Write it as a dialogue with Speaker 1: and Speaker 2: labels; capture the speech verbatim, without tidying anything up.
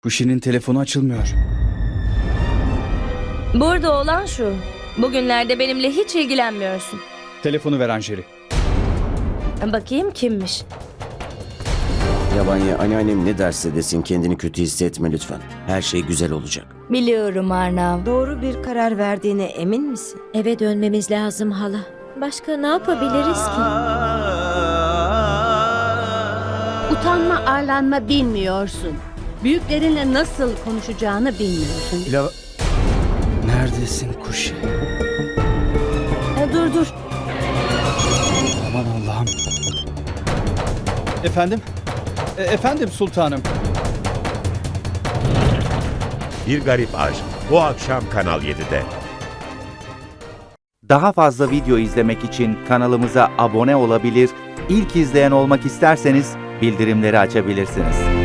Speaker 1: Kuşi'nin telefonu açılmıyor.
Speaker 2: Burada olan şu. Bugünlerde benimle hiç ilgilenmiyorsun.
Speaker 1: Telefonu ver Anjali.
Speaker 2: Bakayım kimmiş?
Speaker 3: Yabani, anneannem ne derse desin kendini kötü hissetme lütfen. Her şey güzel olacak.
Speaker 2: Biliyorum Arnav.
Speaker 4: Doğru bir karar verdiğine emin misin?
Speaker 5: Eve dönmemiz lazım hala. Başka ne yapabiliriz ki?
Speaker 6: Utanma, arlanma bilmiyorsun. Büyüklerinle nasıl konuşacağını bilmiyorsun.
Speaker 1: La... Neredesin Kuşi?
Speaker 2: E, dur dur.
Speaker 1: Aman Allah'ım. Efendim? E, efendim sultanım.
Speaker 7: Bir Garip Aşk bu akşam Kanal yedide.
Speaker 8: Daha fazla video izlemek için kanalımıza abone olabilir, ilk izleyen olmak isterseniz bildirimleri açabilirsiniz.